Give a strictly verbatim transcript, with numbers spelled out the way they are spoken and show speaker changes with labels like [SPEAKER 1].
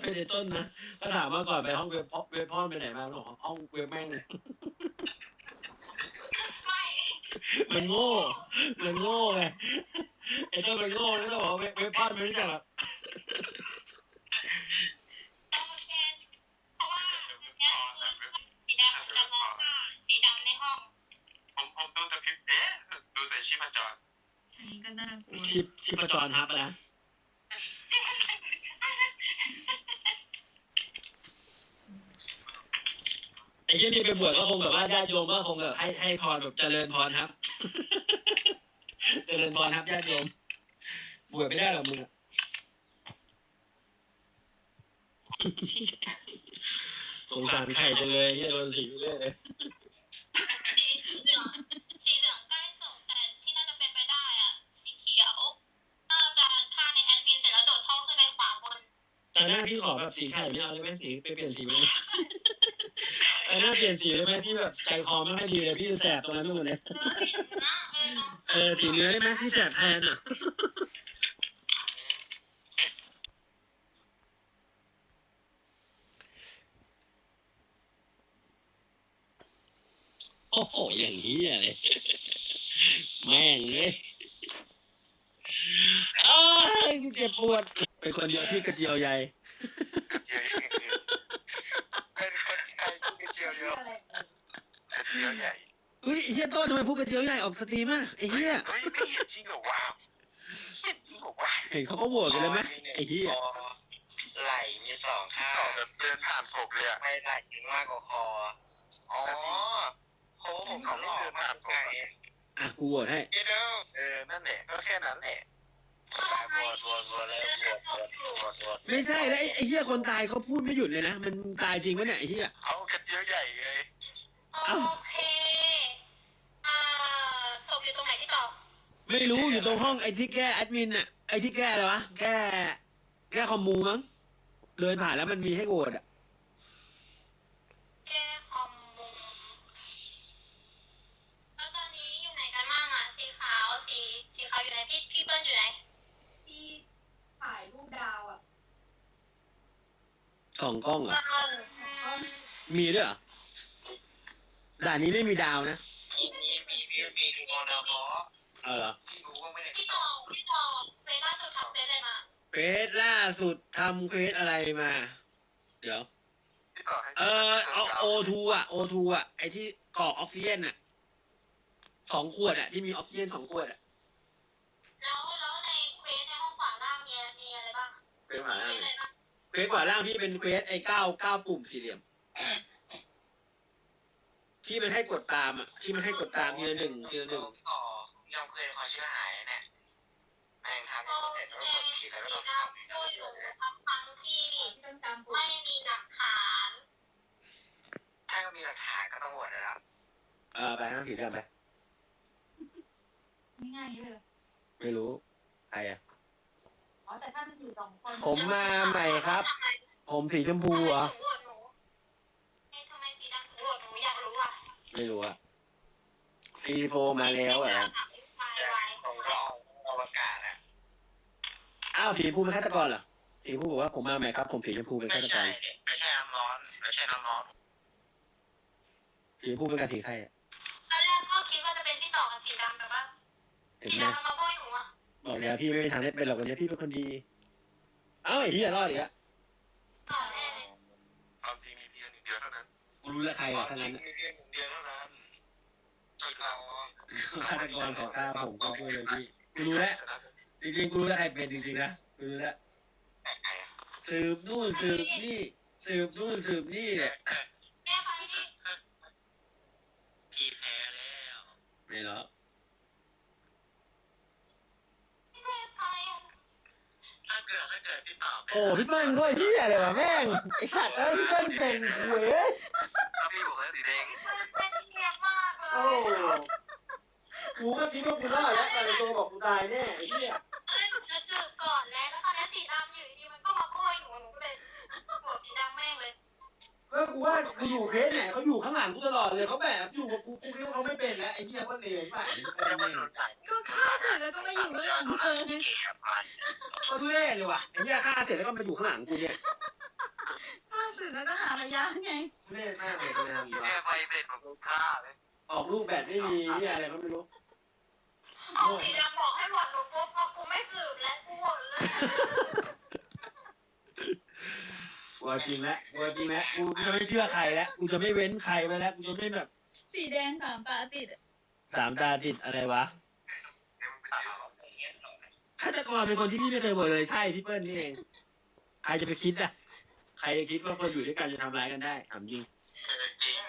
[SPEAKER 1] เป็นไอ้ต้นนะถ้าถามว่าก่อนไปห้องเว็บพ่อเว็บพ่อไปไหนมาบอกห้องเว็บแม่ง
[SPEAKER 2] ไม่
[SPEAKER 1] มันโง่มันโง่ไงไอ้ต้นมันโง่แล้วก็บอกเว็บเว็บพ่อไม่รู้จักหรอก
[SPEAKER 2] โอเคเพราะว่าเนี่ยสีดำจะมองว่าสีดำในห้อง
[SPEAKER 3] ผมผมดูแต่พิมพ์เอ๊ะดูแต่ชีพจร
[SPEAKER 4] อันนี้ก็น่ากลัว
[SPEAKER 1] ชิปชิปจรฮับนะไอ้ที่นี่ไปบวชก็คงแบบว่าญาติโยมก็คงแบบให้ให้พรแบบเจริญพรครับ เจริญพรครับญาติโยมบวชไม่ได้หรอกมึงอะสงสารไข่จังเลยที่โดนสีเรื่อยเลย
[SPEAKER 2] สีเหลืองสีเหลืองใกล้สุดแต่ที่น่าจะเป็นไปได้อ่ะสีเขียวน่าจะฆ่าในแอดมินเสร็จแล้วโดดท่อขึ้นไปขวาบน
[SPEAKER 1] แต่หน้าพี่ขอแบบสีไข่ไม่เอาเลยไหมสีไปเปลี่ยนสีเลยแต่หน้าเปลี่ยนสีเลยไหมพี่แบบใจคอไม่ค่อยดีเลยพี่แสบตรงนั้นไปหมดเลย
[SPEAKER 2] เออสีนะเออเนาะ
[SPEAKER 1] เออสีเนื้อได้ไหมพี่แสบแทนอ่ะโอ้โหอย่างนี้อะไรแม่งเลยอ้าวเจ็บปวดเป็นคนเดียวที่กระเจียวใหญ่
[SPEAKER 3] กระเจียวยิ่งคือเป็นคนไทยที่กระเจียวเดียวกระเจียวใหญ่
[SPEAKER 1] อุ้ยไอ้เฮียโต้ทำไมพูดกระเจียวใหญ่ออกสตรีมอ่ะไอ้เฮีย
[SPEAKER 3] เฮ้ยไม่เห็นจริงเหรอวะเห็นจริงเหรอวะ
[SPEAKER 1] เห็นเขาก็โหวตกันเลยไหมไอ้เฮีย
[SPEAKER 5] ไหล่มีสองข้าง
[SPEAKER 3] ต่อแบบเดินผ่านศพเลยอะ
[SPEAKER 5] ไม่ไหล่มากกว่าคอ อ๋อโค้ผมเขาหล่อมากไง
[SPEAKER 1] อ่ะกูโหวตให้
[SPEAKER 5] พี่เด้อ
[SPEAKER 3] เออนั่นแหละก็แค่นั้นแหละ
[SPEAKER 5] บวชบวชบวชเลยบวชบวชบวชบวช
[SPEAKER 1] ไม่ใช่แล้วไอ้ไอ้เฮียคนตายเขาพูดไม่หยุดเลยนะมันตายจริงปะเนี่ยไอ้เฮีย
[SPEAKER 3] เอากระเจียวใหญ่เลย
[SPEAKER 2] โอเคอ่าศพอยู่ตรงไหนที่ต่อ
[SPEAKER 1] ไม่รู้อยู่ตรงห้องไอ้ที่แก้แอดมินอ่ะไอ้ที่แก้อะไรวะแก้แก้คอมมูมั้งเดินผ่านแล้วมันมีให้โหวตอ่ะ
[SPEAKER 2] แก้คอมมูแล้วตอนนี้อยู่ไหนกันบ้างอ่ะสีขาวสีสีขาวอยู่ไหนพี่พี่เปิ้ลอยู่ไหน
[SPEAKER 4] ที่ถ่ายรูปดาวอ่ะ
[SPEAKER 1] สองกล้องเหรอ
[SPEAKER 2] อืม
[SPEAKER 1] มีด้วยเหรอด่านนี้ไม่มีดาวนะ
[SPEAKER 5] มีมีมีมีมีทุกคนนะเพราะ
[SPEAKER 1] เออเหรอ
[SPEAKER 5] ที่รู้ว่าไม่ได้
[SPEAKER 2] พี่ต่อพี่ต่อเฟซล่าสุดทำเฟซอะไรมา
[SPEAKER 1] เควสล่าสุดทำเควสอะไรมา เดี๋ยว
[SPEAKER 3] ที่ต่อให้
[SPEAKER 1] เออเอาโอทูอ่ะโอทูอ่ะไอ้ที่กรอกออกซิเจนอ่ะสองขวดอ่ะที่มีออกซิเจนสองขวดอ่ะ
[SPEAKER 2] แล้วแล้วในเควสในห้องขวาล่างมีมีอะไรบ้าง
[SPEAKER 1] เป็นขวา
[SPEAKER 2] มี
[SPEAKER 1] ล่าง
[SPEAKER 2] เควสอะไรบ้าง
[SPEAKER 1] เควสขวาล่างพี่เป็นเควสไอ้เก้าเก้าปุ่มสี่เหลี่ยม ที่มันให้กดตามอ่ะที่มันให้กดตามทีละหนึ่งทีละหนึ่ง
[SPEAKER 5] ต่อยอมเคยความเชื่อหายเนี่ยแม่งทำ
[SPEAKER 2] โอ
[SPEAKER 5] เสร็จ
[SPEAKER 2] เค
[SPEAKER 5] แล้วกดผิดแล้วก็
[SPEAKER 2] สี
[SPEAKER 5] ต้อง
[SPEAKER 2] ดำช่วยอยู่ทั้งทั้งที่
[SPEAKER 4] ที่ต้องตามปุ่
[SPEAKER 2] ไม่มีหลักฐาน
[SPEAKER 5] ถ้าก็มีหลักฐานก็ต้องโหวตนะครับ
[SPEAKER 1] เออไปนั่งผีเดินไป
[SPEAKER 4] ง่ายๆเลย
[SPEAKER 1] ไม่รู้ใครอ่ะ
[SPEAKER 4] อ๋อแต่ถ้ามันอยู่สองคน
[SPEAKER 1] ผมมาใหม่ครับ ผมสีชมพูเหรอ
[SPEAKER 2] ทำไมถึงโหวตหนูเอ๊ะทำไมสีดำถึงโหวตหนูอยากรู้อ่ะ
[SPEAKER 1] ไม่รู้อ่ะซีโฟมาแล้วอ่ะ
[SPEAKER 2] ไม่ไหว
[SPEAKER 5] ผมก็เอาอวกาศอะ
[SPEAKER 1] อ้าวผีชมพูเป็นฆาตกรเหรอสีชมพูบอกว่าผมมาใหม่ครับ ผมสีชมพูเป็น
[SPEAKER 5] ไม่
[SPEAKER 1] ฆาตก
[SPEAKER 5] ใช่
[SPEAKER 1] ร
[SPEAKER 5] ไม่ใช่น้ำร้อนไม่ใช่น้ำร้อน
[SPEAKER 1] สีชมพูเป็นกับสีใครอ่ะ
[SPEAKER 2] ตอนแรกก็คิดว่าจะเป็นพี่ต่อกับสีดำแต่ว่า
[SPEAKER 1] เห็น
[SPEAKER 2] สี
[SPEAKER 1] ไหม
[SPEAKER 2] ดำมันมาโบยหนูอ่ะ
[SPEAKER 1] บอกแล้วพี่ไม่มีทางได้เป็นหรอกวันนี้พี่เป็นคนดี เอ้าไอ้ที่จะรอดอีกแล้ว
[SPEAKER 2] ต่อแน่เลย
[SPEAKER 3] ความจริงมีเพียงหนึ่งเดียวเท่านั้น
[SPEAKER 1] กูรู้แล้วใครอ่ะทั้งนั้น
[SPEAKER 5] มีเพียงหนึ่งเดียวเท่านั้นที่เรา
[SPEAKER 1] ฆาตกรขอฆ่าผมก็ช่วยเลยพี่กูรู้แล้วจริงๆกูรู้แล้วใครเป็นจริงๆนะกูรู้แล้วสืบนู่นสืบนี่สืบนู่นสืบนี่เนี่ย
[SPEAKER 2] แม่ไฟดิ
[SPEAKER 5] พี่แพ้แล้ว
[SPEAKER 1] ไม่หรอก
[SPEAKER 2] แม่ไฟอ่ะ
[SPEAKER 5] ถ้าเกิดถ้าเกิดพี่ตอบ
[SPEAKER 1] โอ้พี่เปิ้ลด้วยที่อะไรวะแม่งไอสัตว์เอ้ยพี่เปิ้ลเป็นเว้ย
[SPEAKER 5] พี่บอกแล้วสีแดง
[SPEAKER 2] มันเป็นเงียบมากเล
[SPEAKER 1] โอ้
[SPEAKER 2] ย
[SPEAKER 1] กูก็คิดว่ากูรอดแล้วแต่ในตัวบอกกูตายแน่ไอ้เหี้ย
[SPEAKER 2] เอ้ยหนูจะสืบก่อนแล้วแล้วตอนนี้สีดำอยู่ดีๆมันก็มาโบยหนูหนูก็เลยโหวตสีดำแม่งเลย
[SPEAKER 1] เออกูว่ากูอยู่เคสไหนเขาอยู่ข้างหลังกูตลอดเลยเขาแบบอยู่กับกูกูคิดว่าเขาไม่เป็นแล้วไอ้เหี้ยก็เลวมาก
[SPEAKER 5] ยังไม่หลุดสาย
[SPEAKER 4] ก็ฆ่าเสร็จแล้วก็มาอยู่ข้างหลังเออ
[SPEAKER 5] เกลียดมัน
[SPEAKER 1] ก็ทุเรศเลยว่ะไอ้เหี้ยฆ่าเสร็จแล้วก็มาอยู่ข้างหลังกูเนี่ย
[SPEAKER 4] สืบแล้วก็หาระยะไง
[SPEAKER 1] เล่นมากเลยเป็นอะไร
[SPEAKER 5] แม่
[SPEAKER 1] วะ
[SPEAKER 5] ไปเสร็จผมฆ่าเลย
[SPEAKER 1] ออกลูกแบตไม่มีนี่อะไรก็ไม่รู้
[SPEAKER 2] เอาสีดำบอกให้หมดหนูปุ๊บพอกูไม่สืบแล้วกูหมดเลย
[SPEAKER 1] กลัวจริงแล้วกลัวจริงแล้วกูจะไม่เชื่อใครแล้วกูจะไม่เว้นใครไปแล้วกูจะไม่แบบ
[SPEAKER 4] สีแดงสามตาติดอะ
[SPEAKER 1] สามตาติดอะไรวะฆาตกรเป็นคนที่พี่ไม่เคยบอกเลยใช่พี่เปิ้ลนี่เองใครจะไปคิดอ่ะใครจะคิดว่าคนอยู่ด้วยกันจะทำร้ายกันได้ถามจริง
[SPEAKER 5] จริง